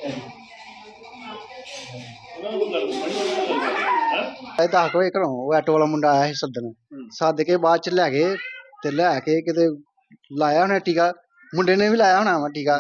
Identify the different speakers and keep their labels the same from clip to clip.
Speaker 1: ਇਹ 10 ਵਜੇ ਘਰੋਂ ਉਹ ਆਟੋ ਵਾਲਾ ਮੁੰਡਾ ਆਇਆ ਸੀ ਸੱਦਣ, ਸੱਦ ਕੇ ਬਾਅਦ ਚ ਲੈ ਗਏ ਤੇ ਲੈ ਕੇ ਕਿਤੇ ਲਾਇਆ ਉਹਨੇ ਟੀਕਾ। ਮੁੰਡੇ ਨੇ ਵੀ ਲਾਇਆ ਹੋਣਾ ਵਾ ਟੀਕਾ,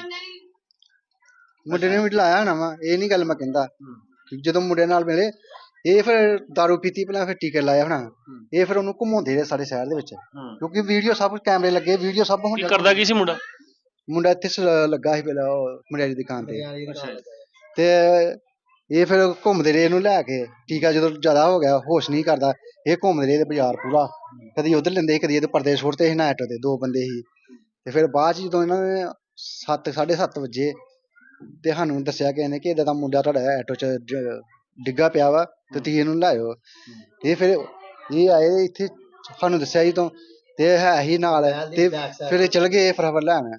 Speaker 1: ਮੁੰਡੇ ਨੇ ਵੀ ਲਾਇਆ ਹੋਣਾ ਵਾ, ਇਹ ਨਹੀਂ ਗੱਲ ਮੈਂ ਕਹਿੰਦਾ। ਜਦੋਂ ਮੁੰਡੇ ਨਾਲ ਮਿਲੇ ਇਹ ਫਿਰ ਦਾਰੂ ਪੀਤੀ ਪਹਿਲਾਂ, ਫਿਰ ਟੀਕੇ ਲਾਇਆ ਹੋਣਾ। ਇਹ ਫਿਰ ਉਹਨੂੰ ਘੁਮਾਉਂਦੇ ਰਹੇ ਸਾਰੇ ਸ਼ਹਿਰ ਦੇ ਵਿੱਚ, ਕਿਉਂਕਿ ਵੀਡੀਓ ਸਭ ਕੈਮਰੇ ਲੱਗੇ, ਵੀਡੀਓ ਸਭ ਹੁਣ
Speaker 2: ਕਰਦਾ ਕੀ ਸੀ ਮੁੰਡਾ?
Speaker 1: ਮੁੰਡਾ ਇੱਥੇ ਲੱਗਾ ਸੀ ਪਹਿਲਾਂ ਮਠਿਆਈ ਦੀ ਦੁਕਾਨ ਤੇ ਇਹ ਫਿਰ ਘੁੰਮਦੇ ਰਹੇ ਇਹਨੂੰ ਲੈ ਕੇ। ਟੀਕਾ ਜਦੋਂ ਜ਼ਿਆਦਾ ਹੋ ਗਿਆ, ਹੋਸ਼ ਨਹੀਂ ਕਰਦਾ, ਇਹ ਘੁੰਮਦੇ ਰਹੇ ਬਾਜ਼ਾਰ ਪੂਰਾ, ਕਦੀ ਉਧਰ ਲੈਂਦੇ ਸੀ, ਕਦੀ ਇਹਦੇ ਪਰਦੇ ਸੁੱਟਦੇ ਸੀ ਨਾ ਆਟੋ ਤੇ। 2 ਬੰਦੇ ਸੀ ਤੇ ਫਿਰ ਬਾਅਦ ਚ ਜਦੋਂ ਇਹਨਾਂ ਨੇ 7-7:30 ਵਜੇ ਤੇ ਸਾਨੂੰ ਦੱਸਿਆ ਕਿ ਇਹਨੇ ਕਿ ਏਦਾਂ ਦਾ ਮੁੰਡਾ ਤੁਹਾਡਾ ਆਟੋ ਚ ਡਿੱਗਾ ਪਿਆ ਵਾ ਤੇ ਤੁਸੀਂ ਇਹਨੂੰ ਲਾਇਓ। ਇਹ ਫਿਰ ਇਹ ਆਏ ਇੱਥੇ, ਸਾਨੂੰ ਦੱਸਿਆ ਜੀ ਤੋਂ, ਤੇ ਹੈ ਹੀ ਨਾਲ ਤੇ ਫਿਰ ਚਲ ਗਏ ਫਰਾਵਰ ਲੈਣ।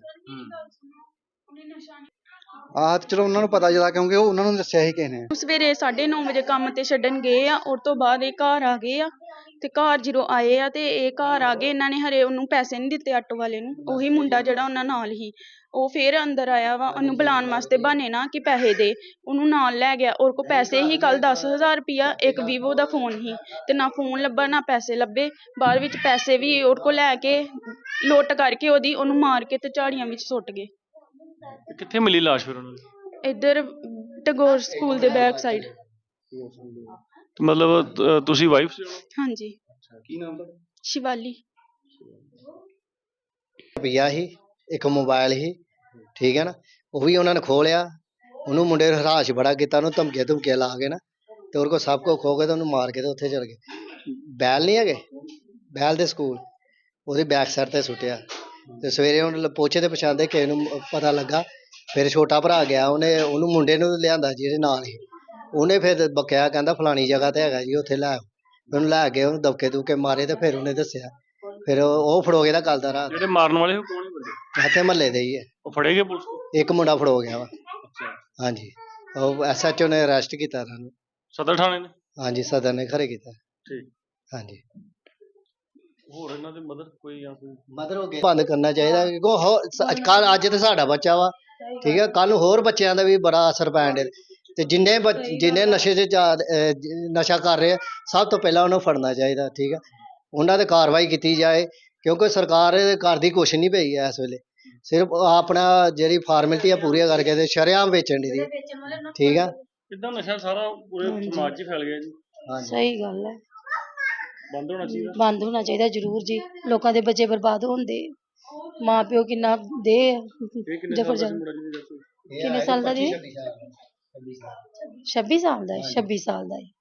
Speaker 1: ਆਹ ਚਲੋ ਉਹਨਾਂ ਨੂੰ ਪਤਾ ਜਿਆਦਾ, ਕਿਉਂਕਿ ਉਹ ਉਹਨਾਂ ਨੂੰ ਦੱਸਿਆ ਸੀ ਕਿਸੇ ਨੇ।
Speaker 3: ਸਵੇਰੇ 9:30 ਵਜੇ ਕੰਮ ਤੇ ਛੱਡਣ ਗਏ ਆ, ਉਸ ਤੋਂ ਬਾਅਦ ਇਹ ਘਰ ਆ ਗਏ ਆ ਤੇ ਘਰ ਜਦੋਂ ਆਏ ਆ ਤੇ ਇਹ ਘਰ ਆ ਗਏ, ਇਹਨਾਂ ਨੇ ਹਰੇ ਉਹਨੂੰ ਪੈਸੇ ਨਹੀਂ ਦਿੱਤੇ ਆਟੋ ਵਾਲੇ ਨੂੰ। ਉਹੀ ਮੁੰਡਾ ਜਿਹੜਾ ਉਹਨਾਂ ਨਾਲ ਹੀ, ਉਹ ਫਿਰ ਅੰਦਰ ਆਇਆ ਵਾ ਉਹਨੂੰ ਬੁਲਾਉਣ ਵਾਸਤੇ, ਬਹਾਨੇ ਨਾ ਕਿ ਪੈਸੇ ਦੇ, ਉਹਨੂੰ ਨਾਲ ਲੈ ਗਿਆ। ਉਹਦੇ ਕੋਲ ਪੈਸੇ ਹੀ ਕੱਲ 10,000 ਰੁਪਇਆ, ਇੱਕ ਵੀਵੋ ਦਾ ਫੋਨ ਹੀ, ਤੇ ਨਾ ਫੋਨ ਲੱਭਾ ਨਾ ਪੈਸੇ ਲੱਭੇ। ਬਾਅਦ ਵਿੱਚ ਪੈਸੇ ਵੀ ਉਹਦੇ ਕੋਲ ਲੈ ਕੇ ਲੁੱਟ ਕਰਕੇ ਉਹਨੂੰ ਮਾਰ ਕੇ ਤੇ ਝਾੜੀਆਂ ਵਿੱਚ ਸੁੱਟ ਗਏ।
Speaker 2: ਕਿੱਥੇ ਮਿਲੀ ਲਾਸ਼ ਫਿਰ ਉਹਨਾਂ ਦੀ?
Speaker 3: ਇੱਧਰ ਟੈਗੋਰ ਸਕੂਲ ਦੇ ਬੈਕ ਸਾਈਡ।
Speaker 2: ਮਤਲਬ ਤੁਸੀਂ ਵਾਈਫ ਸੀ?
Speaker 3: ਹਾਂਜੀ।
Speaker 2: ਕੀ ਨਾਮ ਤੁਹਾਡਾ?
Speaker 3: ਸ਼ਿਵਾਲੀ।
Speaker 4: ਰੁਪਈਆ ਸੀ, ਇੱਕ ਮੋਬਾਈਲ ਸੀ, ਠੀਕ ਹੈ ਨਾ, ਉਹ ਵੀ ਉਹਨਾਂ ਨੇ ਖੋਹ ਲਿਆ। ਉਹਨੂੰ ਮੁੰਡੇ ਨੇ ਹਰਾਸ਼ ਬੜਾ ਕੀਤਾ, ਉਹਨੂੰ ਧਮਕੀਆਂ ਲਾ ਕੇ ਨਾ, ਤੇ ਉਹਦੇ ਕੋਲ ਸਭ ਕੁਝ ਖੋ ਕੇ ਤੇ ਉਹਨੂੰ ਮਾਰ ਕੇ ਤੇ ਉੱਥੇ ਚਲ ਗਏ। ਬੈਲ ਨਹੀਂ ਹੈਗੇ, ਬੈਲ ਦੇ ਸਕੂਲ ਉਹਦੀ ਬੈਕ ਸਾਈਡ ਤੇ ਸੁੱਟਿਆ। ਤੇ ਸਵੇਰੇ ਹੁਣ ਪੋਚੇ ਤੇ ਪਛਾਣਦੇ ਕਿਸੇ ਨੂੰ ਪਤਾ ਲੱਗਾ, ਫਿਰ ਛੋਟਾ ਭਰਾ ਗਿਆ, ਉਹਨੂੰ ਮੁੰਡੇ ਨੂੰ ਲਿਆਂਦਾ ਜਿਹਦੇ ਨਾਲ ਹੀ, ਉਹਨੇ ਫਿਰ ਬਕਿਆ, ਕਹਿੰਦਾ ਫਲਾਣੀ ਜਗ੍ਹਾ ਤੇ ਹੈਗਾ ਜੀ, ਉੱਥੇ ਲੈ ਆਓ। ਉਹਨੂੰ ਲੈ ਕੇ ਉਹਨੂੰ ਦਬਕੇ ਦੁਬਕੇ ਮਾਰੇ ਤੇ ਫਿਰ ਉਹਨੇ ਦੱਸਿਆ, ਫਿਰ ਉਹ ਫੜੋ ਗਿਆ ਕੱਲ ਦਾ ਰਾਤ।
Speaker 2: ਜਿਹੜੇ ਮਾਰਨ ਵਾਲੇ ਉਹ ਕੌਣ ਬੰਦੇ?
Speaker 4: ਇੱਥੇ ਮਹੱਲੇ ਦੇ ਹੀ ਹੈ।
Speaker 2: ਉਹ ਫੜੇ ਗਏ ਪੁਲਿਸ ਕੋਲ?
Speaker 4: ਇੱਕ ਮੁੰਡਾ ਫੜੋ ਗਿਆ ਵਾ। ਹਾਂਜੀ, ਉਹ SHO ਨੇ ਅਰੈਸਟ ਕੀਤਾ ਇਹਨਾਂ ਨੂੰ।
Speaker 2: ਸਦਰ ਥਾਣੇ ਨੇ?
Speaker 4: ਹਾਂਜੀ, ਸਦਰ ਨੇ ਖਰੇ ਕੀਤਾ।
Speaker 2: ਠੀਕ।
Speaker 4: ਹਾਂਜੀ।
Speaker 2: ਹੋਰ ਇਹਨਾਂ ਦੇ ਮਦਰ ਕੋਈ ਜਾਂ ਕੋਈ
Speaker 4: ਮਦਰ ਹੋ ਗਏ ਬੰਦ ਕਰਨਾ ਚਾਹੀਦਾ, ਕਿਉਂਕਿ ਅੱਜ ਤੇ ਸਾਡਾ ਬੱਚਾ ਵਾ, ਠੀਕ ਹੈ, ਕੱਲ ਨੂੰ ਹੋਰ ਬੱਚਿਆਂ ਦਾ ਵੀ ਬੜਾ ਅਸਰ ਪੈਣ ਡਿਆ। ਤੇ ਜਿੰਨੇ ਨਸ਼ੇ 'ਚ ਨਸ਼ਾ ਕਰ ਰਹੇ ਆ, ਸਭ ਤੋਂ ਪਹਿਲਾਂ ਉਹਨੂੰ ਫੜਨਾ ਚਾਹੀਦਾ, ਠੀਕ ਹੈ, ਉਹਨਾਂ 'ਤੇ ਕਾਰਵਾਈ ਕੀਤੀ ਜਾਏ, ਕਿਉਂਕਿ ਸਰਕਾਰ ਕਰਦੀ ਕੁਛ ਨਹੀਂ ਪਈ ਹੈ ਇਸ ਵੇਲੇ, ਸਿਰਫ ਆਪਣਾ ਜਿਹੜੀ ਫਾਰਮੈਲਿਟੀ ਆ ਪੂਰੀਆਂ ਕਰਕੇ ਤੇ ਸ਼ਰੇਆਮ ਵੇਚਣ ਦੀ, ਠੀਕ ਆ।
Speaker 2: ਕਿੱਦਾਂ ਨਸ਼ਾ ਸਾਰਾ ਪੂਰੇ ਸਮਾਜ 'ਚ ਫੈਲ ਗਿਆ ਜੀ?
Speaker 5: ਸਹੀ ਗੱਲ ਹੈ,
Speaker 2: ਬੰਦ ਹੋਣਾ ਚਾਹੀਦਾ।
Speaker 5: ਬੰਦ ਹੋਣਾ ਚਾਹੀਦਾ ਜ਼ਰੂਰ ਜੀ। ਲੋਕਾਂ ਦੇ ਬੱਚੇ ਬਰਬਾਦ ਹੁੰਦੇ, ਮਾਂ ਪਿਓ ਕਿੰਨਾ ਦੇ ਜਬਰ ਕਿੰਨੇ ਸਾਲ ਦਾ ਜੀ? 26 ਸਾਲ ਦਾ ਹੈ, 26 ਸਾਲ ਦਾ ਹੈ।